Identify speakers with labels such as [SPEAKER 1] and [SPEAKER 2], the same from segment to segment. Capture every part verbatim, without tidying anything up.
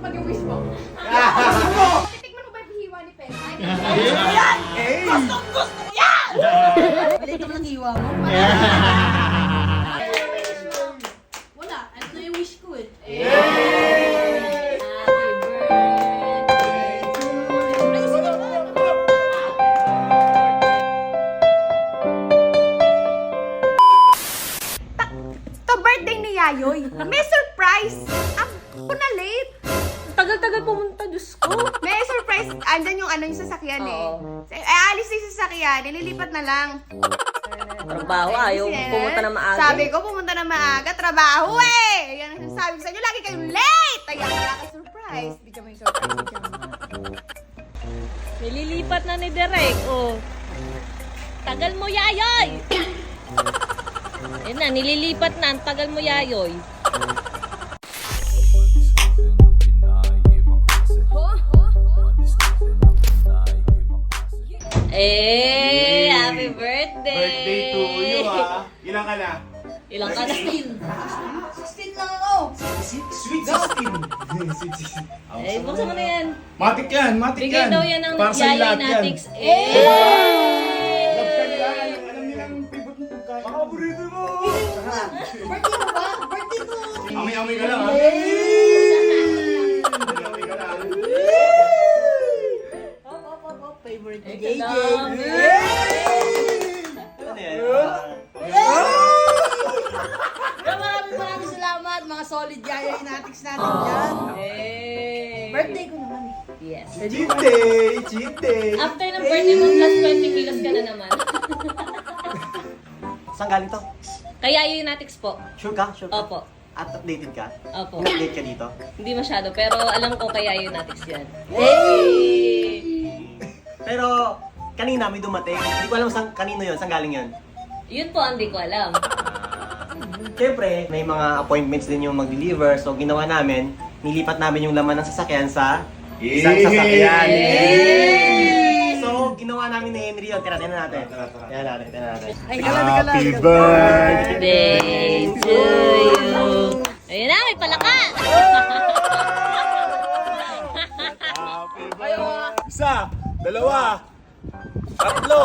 [SPEAKER 1] matupad yung wish mo. Titikman mo ba yung hiwa ni Pesa?
[SPEAKER 2] Yan! Gustong gusto ko yan!
[SPEAKER 3] Maliit naman ang hiwa mo.
[SPEAKER 2] Wala, ano na yung wish ko eh.
[SPEAKER 1] To birthday ni Yayoy, may surprise! Ako na late!
[SPEAKER 2] Tagal-tagal pumunta, Diyos ko.
[SPEAKER 1] May surprise, andyan yung ano yung sasakyan eh.
[SPEAKER 2] Oo.
[SPEAKER 1] Eh, alis na yung sasakyan, nililipat na lang.
[SPEAKER 2] Trabaho, ayaw
[SPEAKER 1] Kasi,
[SPEAKER 2] pumunta na maaga.
[SPEAKER 1] Sabi ko, pumunta na maaga, trabaho eh! Yan ang sabi ko sa inyo, lagi kayong late! Ayan, wala kay surprise. Di ka may surprise, di ka
[SPEAKER 2] Nililipat na ni Derek, oh. Tagal mo, Yayoy! Ayun na, nililipat na. Ang tagal mo, Yayoy. Eh, happy birthday!
[SPEAKER 4] Birthday to you, ha? Ilan ka na?
[SPEAKER 2] Ilang ka na?
[SPEAKER 3] sixteen lang ako.
[SPEAKER 4] Sweet sixteen. Sweet sixteen.
[SPEAKER 2] Eh, buksan mo na yan.
[SPEAKER 4] Matik yan, matik
[SPEAKER 2] Bigay
[SPEAKER 4] yan.
[SPEAKER 2] daw yan ng
[SPEAKER 4] Para sa
[SPEAKER 2] Yayoy
[SPEAKER 4] lahat yan.
[SPEAKER 2] Natics.
[SPEAKER 4] Love
[SPEAKER 2] Eh!
[SPEAKER 4] ka nila, alam, alam nilang favorite mong pagkain. Mga paborito mo!
[SPEAKER 3] Birthday mo ba? Birthday ko.
[SPEAKER 4] Amoy-amoy ka lang, ha? Amoy-amoy ka lang.
[SPEAKER 3] Hop, hop, hop, hop. Favorite ni
[SPEAKER 2] Ito
[SPEAKER 3] J J.
[SPEAKER 2] lang.
[SPEAKER 3] Ano yan? Maraming maraming salamat mga solid Yayoy Natics natin dyan.
[SPEAKER 2] Eh!
[SPEAKER 3] Birthday ko naman eh.
[SPEAKER 2] Yes.
[SPEAKER 4] Cheat day! Cheat day!
[SPEAKER 2] After ng birthday mo, plus twenty kilos ka na naman.
[SPEAKER 5] Saan galing to?
[SPEAKER 2] Kaya yun Natics po.
[SPEAKER 5] Sure ka? Sure ka?
[SPEAKER 2] Opo.
[SPEAKER 5] At updated ka?
[SPEAKER 2] Opo.
[SPEAKER 5] In-update ka dito?
[SPEAKER 2] Hindi masyado, pero alam ko kaya yun Natics yan.
[SPEAKER 5] Pero kanina may dumating. Hindi ko alam saan, kanino yun. Saan galing yun?
[SPEAKER 2] Yun po, hindi ko alam.
[SPEAKER 5] Siyempre, may mga appointments din yung mag-deliver. So ginawa namin, nilipat namin yung laman ng sasakyan sa isang sasakyan.
[SPEAKER 2] Yay!
[SPEAKER 5] So ginawa namin ni Henry yun. Tira, tira natin.
[SPEAKER 4] Tara, tara.
[SPEAKER 5] Tira natin, tira natin.
[SPEAKER 3] Ay, kala, kala.
[SPEAKER 4] Happy birthday!
[SPEAKER 2] Birthday to you. Ayun na, may palaka!
[SPEAKER 4] Happy birthday! Isa, dalawa, tatlo.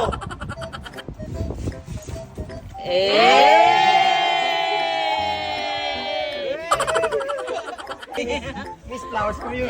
[SPEAKER 2] Eh!
[SPEAKER 5] Miss Flowers Community.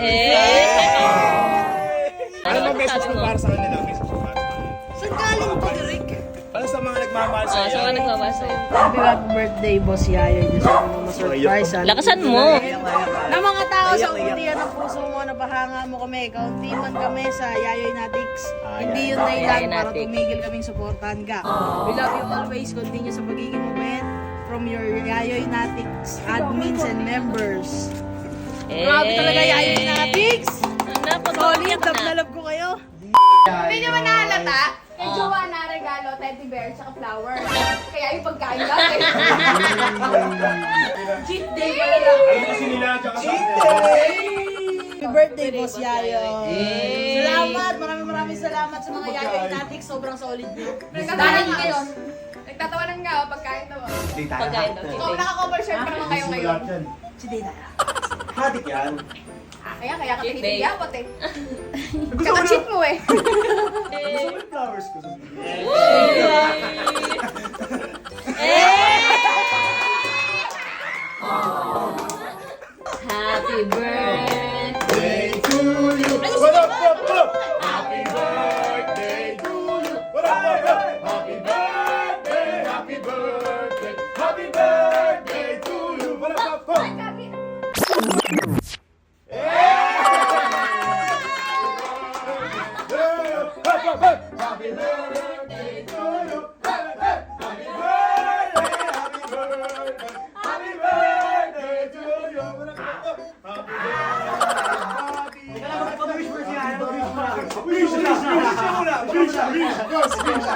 [SPEAKER 2] Eh!
[SPEAKER 4] Ano ba message mo para sa kanila? Message mo para sa kanila?
[SPEAKER 3] Saan galing to, Derek?
[SPEAKER 4] Para sa mga nagmamahal sa
[SPEAKER 2] Ah, saan ka nagbabasa yun?
[SPEAKER 3] Happy happy birthday, Boss Yayoy. Gusto ko mo ma-surprise. ha?
[SPEAKER 2] Lakasan mo!
[SPEAKER 3] Na mga tao sa untian ng puso mo, napahanga mo kami. Kaunti man kami sa Yayoy Natics. Hindi yun
[SPEAKER 2] Yayoy
[SPEAKER 3] dahilan para
[SPEAKER 2] Natics.
[SPEAKER 3] tumigil kaming supportahan ka. We love you always. Continue sa pagiging mabait from your Yayoy Natics admins and members.
[SPEAKER 2] Eh!
[SPEAKER 3] Grabe talaga Yayoy Natics!
[SPEAKER 2] Ano,
[SPEAKER 3] Solid,
[SPEAKER 2] pag-umiyak
[SPEAKER 3] love
[SPEAKER 2] na.
[SPEAKER 3] na love ko kayo.
[SPEAKER 1] Hindi nyo ba nahalata? Kay
[SPEAKER 2] Ah.
[SPEAKER 1] jowa na regalo, teddy bear, tsaka flower. Kaya yung pagkain lang eh.
[SPEAKER 3] Cheat day pala lang.
[SPEAKER 4] Ano kasi nila? Tsaka sa
[SPEAKER 3] Happy birthday, Boss Yayoy.
[SPEAKER 2] Yay!
[SPEAKER 3] Salamat, maraming maraming salamat sa mga Yayoy Natics. Sobrang solid niyo.
[SPEAKER 1] Nagtatawanan ngayon. Nagtatawanan nga, oh, pagkain daw.
[SPEAKER 2] Pagkain daw.
[SPEAKER 1] So, naka-cover shirt pa naman kayo ngayon.
[SPEAKER 3] Si Dana.
[SPEAKER 5] Matik yan.
[SPEAKER 1] Ah, kaya, kaya ka
[SPEAKER 2] Cheat day.
[SPEAKER 1] tinitiyapot eh. Kaka-cheat mo eh.
[SPEAKER 4] Gusto mo yung flowers ko sa
[SPEAKER 2] Happy birthday!
[SPEAKER 4] Birthday to you! What up, what up? Happy birthday to you! What up, what up? Happy birthday, happy birthday, happy birthday to you! What up, what up? Happy birthday to you! Happy birthday, happy birthday, happy birthday to you! What up, what up? Happy birthday! Wish, wish, wish muna! Wish, wish, wish, wish!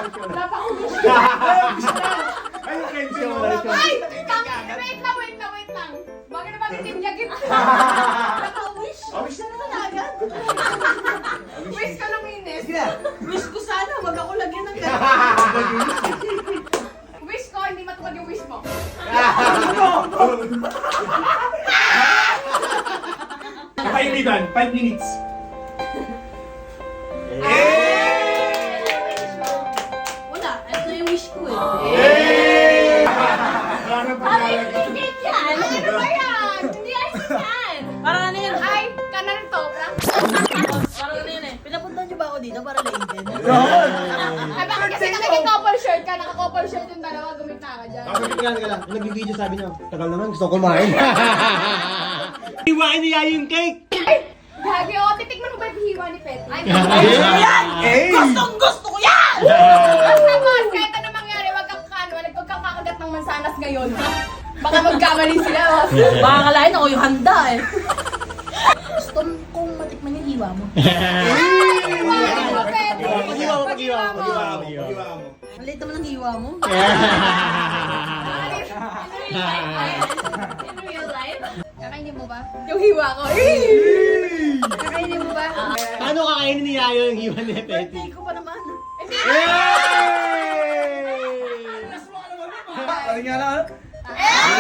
[SPEAKER 4] Ayun, Kenzie mo.
[SPEAKER 1] Ay! Tang- Wait lang, wait lang, wait lang. Baga naman itim niya git. Naka-wish.
[SPEAKER 4] Oh, wish.
[SPEAKER 1] Ano na agad? Wish ka lang, Ines.
[SPEAKER 3] Wish ko sana, wag ako lagyan ng gano'n.
[SPEAKER 1] Wish ko, hindi matupad yung wish mo.
[SPEAKER 4] Iba kainitan, five minutes.
[SPEAKER 3] Wala, ito yung wish ko eh.
[SPEAKER 4] Yay! Ano pa yan?
[SPEAKER 2] Hindi yan!
[SPEAKER 1] Ano ba yan?
[SPEAKER 2] Hindi ayos yan!
[SPEAKER 3] Parang ano yun?
[SPEAKER 1] Ay, kanan to, prank.
[SPEAKER 3] Parang ano yun eh. Pinapunta niyo ba ako dito para later?
[SPEAKER 1] Ay, bakit kasi nakikcouple shirt ka, naka-couple shirt yung dalawa, gumit na ka dyan.
[SPEAKER 5] Bakit ka lang, ka lang. Nag-video sabi niya, tagal naman, gusto ko kumain. Iwain niya yung cake!
[SPEAKER 1] Gagi, oh, titikman mo ba yung hiwa ni Petty? Ay,
[SPEAKER 5] Eh!
[SPEAKER 3] Gustong gusto ko yan!
[SPEAKER 1] basta boss, kahit ano mangyari, wag kang kano, wag kang kakagat ng mansanas ngayon, ha? Baka magkamali sila, boss.
[SPEAKER 3] Baka kalahin ako yung handa eh. Gusto kong matikman yung hiwa mo.
[SPEAKER 1] Hiwa mo, Petty.
[SPEAKER 5] Pag-iwa mo, pag-iwa mo,
[SPEAKER 1] Pag-iwa
[SPEAKER 5] pag-iwa mo.
[SPEAKER 4] Pag-iwa mo.
[SPEAKER 3] Ang liit naman ng hiwa mo.
[SPEAKER 2] In real life?
[SPEAKER 1] Kakainin mo ba? Yung hiwa ko. Kakainin mo ba?
[SPEAKER 5] Paano kakainin ni Yayo yung iwan ni Petty?
[SPEAKER 3] Birthday ko pa naman.
[SPEAKER 4] Ano nga na?